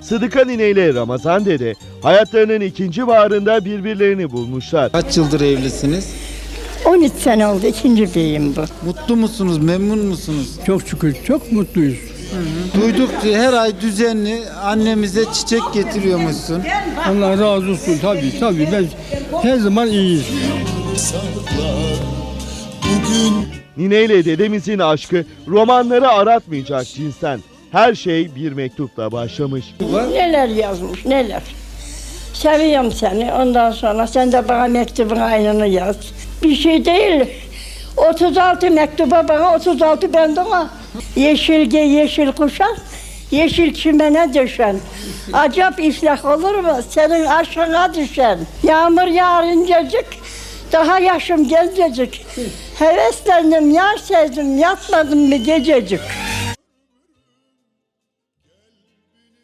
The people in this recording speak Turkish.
Sıdıka Nine ile Ramazan Dede hayatlarının ikinci baharında birbirlerini bulmuşlar. Kaç yıldır evlisiniz? 13 sene oldu, ikinci beyim bu. Mutlu musunuz, memnun musunuz? Çok şükür çok mutluyuz. Duyduk ki her ay düzenli annemize çiçek getiriyormuşsun. Allah razı olsun tabii ben her zaman iyiyiz. Nine ile dedemizin aşkı romanları aratmayacak cinsten. Her şey bir mektupla başlamış. Neler yazmış, neler. Seviyorum seni, ondan sonra sen de bana mektubun aynını yaz. Bir şey değil. 36 mektuba bana, 36 ben de ona. Yeşilge yeşil kuşak, yeşil çimene düşen. Acap iflah olur mu senin aşkına düşen? Yağmur yağar incecik, daha yaşım gencecik. Heveslendim, yar sevdim, yatmadım mı gececik.